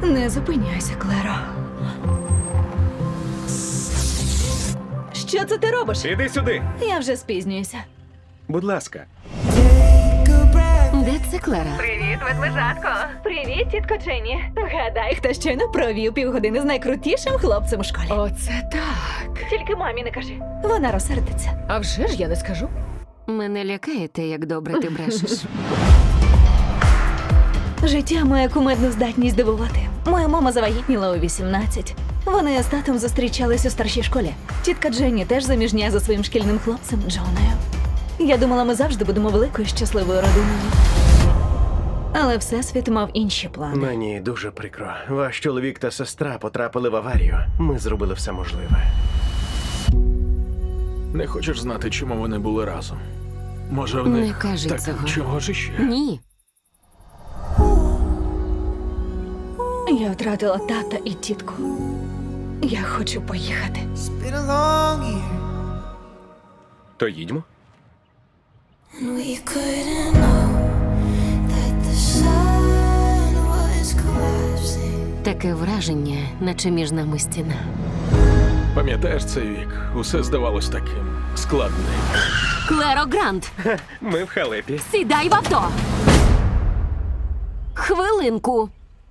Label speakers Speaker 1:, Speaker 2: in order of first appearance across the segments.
Speaker 1: Не зупиняйся, Клеро. Що це ти робиш?
Speaker 2: Іди сюди.
Speaker 1: Я вже спізнююся.
Speaker 2: Будь ласка.
Speaker 3: Де це Клера?
Speaker 1: Привіт, ведмежатко. Привіт, тітко Дженні. Гадай, хто щойно провів півгодини з найкрутішим хлопцем у школі.
Speaker 3: Оце так.
Speaker 1: Тільки мамі не кажи. Вона розсердиться.
Speaker 3: А вже ж я не скажу. Мене лякає те, як добре ти брешеш.
Speaker 1: Життя має кумедну здатність дивувати. Моя мама завагітніла у 18. Вони з татом зустрічались у старшій школі. Тітка Дженні теж заміжня за своїм шкільним хлопцем Джоною. Я думала, ми завжди будемо великою щасливою родиною. Але Всесвіт мав інші плани.
Speaker 2: Мені дуже прикро. Ваш чоловік та сестра потрапили в аварію. Ми зробили все можливе.
Speaker 4: Не хочеш знати, чому вони були разом? Може, в них...
Speaker 3: Не кажи
Speaker 4: так,
Speaker 3: цього.
Speaker 4: чого ж іще?
Speaker 3: Ні.
Speaker 1: Я втратила тата і тітку. Я хочу поїхати.
Speaker 5: Been a long year,
Speaker 2: То їдьмо.
Speaker 5: and we couldn't know that the sun was collapsing.
Speaker 3: Таке враження, наче між нами стіна.
Speaker 4: Пам'ятаєш цей вік? Усе здавалось таким складним.
Speaker 3: Клеро Грант,
Speaker 2: Ми в халепі.
Speaker 3: сідай в авто! Хвилинку.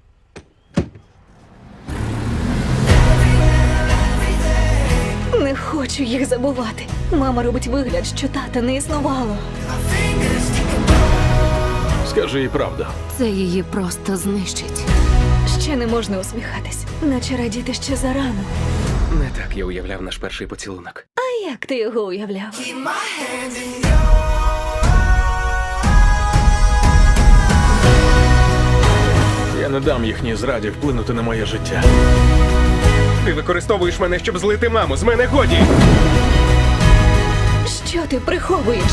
Speaker 1: Не хочу їх забувати. Мама робить вигляд, що тата не існувало.
Speaker 4: Скажи їй правду.
Speaker 3: Це її просто знищить.
Speaker 1: Ще не можна усміхатись, наче радіти ще зарано.
Speaker 2: Не так я уявляв наш перший поцілунок.
Speaker 1: А як ти його уявляв?
Speaker 4: Я не дам їхній зраді вплинути на моє життя.
Speaker 2: Ти використовуєш мене, щоб злити маму. З мене годі!
Speaker 1: Що ти приховуєш?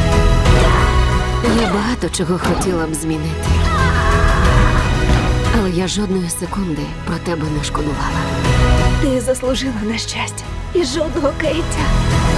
Speaker 3: Я багато чого хотіла б змінити. Але я жодної секунди про тебе не шкодувала.
Speaker 1: Ти заслужила на щастя і жодного каяття.